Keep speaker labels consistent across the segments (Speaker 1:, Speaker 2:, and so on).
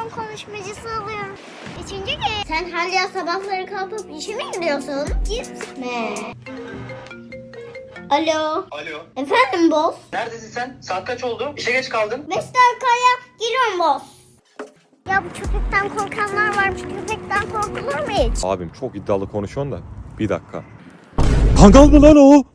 Speaker 1: telefon konuşmacısı alıyorum. Üçüncü gün. Sen hala sabahları kalkıp işe mi gidiyorsun? Gitme. Alo.
Speaker 2: Alo.
Speaker 1: Efendim boss?
Speaker 2: Neredesin sen? Saat kaç oldu? İşe geç kaldın.
Speaker 1: 5 dakikaya geliyorum boss. Ya bu köpekten korkanlar varmış. Köpekten korkulur mu hiç?
Speaker 3: Abim çok iddialı konuşuyorsun da. Bir dakika. Kangal mı lan o?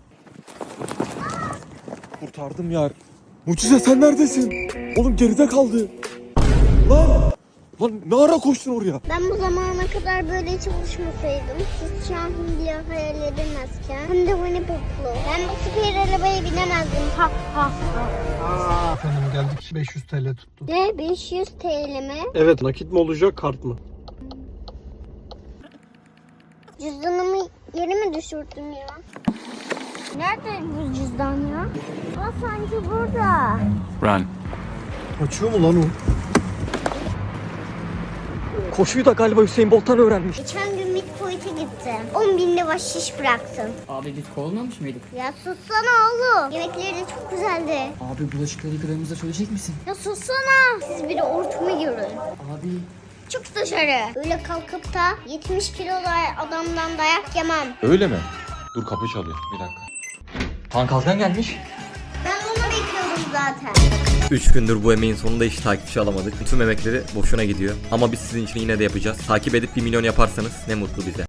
Speaker 3: Kurtardım yar. Mucize sen neredesin? Oğlum geride kaldı. Lan. Lan ne ara koştun oraya?
Speaker 1: Ben bu zamana kadar böyle çalışmasaydım, siz Şahin bile hayal edemezken, hem de Winnie Pooh'lu. Ben bu süper arabaya binemezdim. Ha ha ha.
Speaker 4: Efendim geldik 500 TL tuttu.
Speaker 1: Ne 500 TL mi?
Speaker 4: Evet, nakit mi olacak kart mı?
Speaker 1: Cüzdanımı yere mi düşürdün ya? Nerede bu cüzdan ya? Aa sanki burada.
Speaker 5: Run.
Speaker 4: Kaçıyor mu lan o? Koşuyu da galiba Hüseyin Bolt'tan öğrenmiş.
Speaker 1: Geçen gün Midpoint'e gittim. 10.000'de bahşiş bıraktım.
Speaker 6: Abi biz kovulmamış mıydık?
Speaker 1: Ya sussana oğlum. Yemekleri de çok güzeldi.
Speaker 6: Abi bulaşıkları yıkadığımızda söyleyecek misin?
Speaker 1: Ya sussana. Siz bir de ortamı görün.
Speaker 6: Abi
Speaker 1: Çık dışarı. Öyle kalkıp da 70 kilo adamdan dayak yemem.
Speaker 3: Öyle mi? Dur kapı çalıyor. Bir dakika.
Speaker 5: Han Kalkan gelmiş.
Speaker 1: Ben onu bekliyordum zaten.
Speaker 7: 3 gündür bu emeğin sonunda hiç takipçi alamadık. Tüm emekleri boşuna gidiyor. Ama biz sizin için yine de yapacağız. Takip edip 1 milyon yaparsanız ne mutlu bize.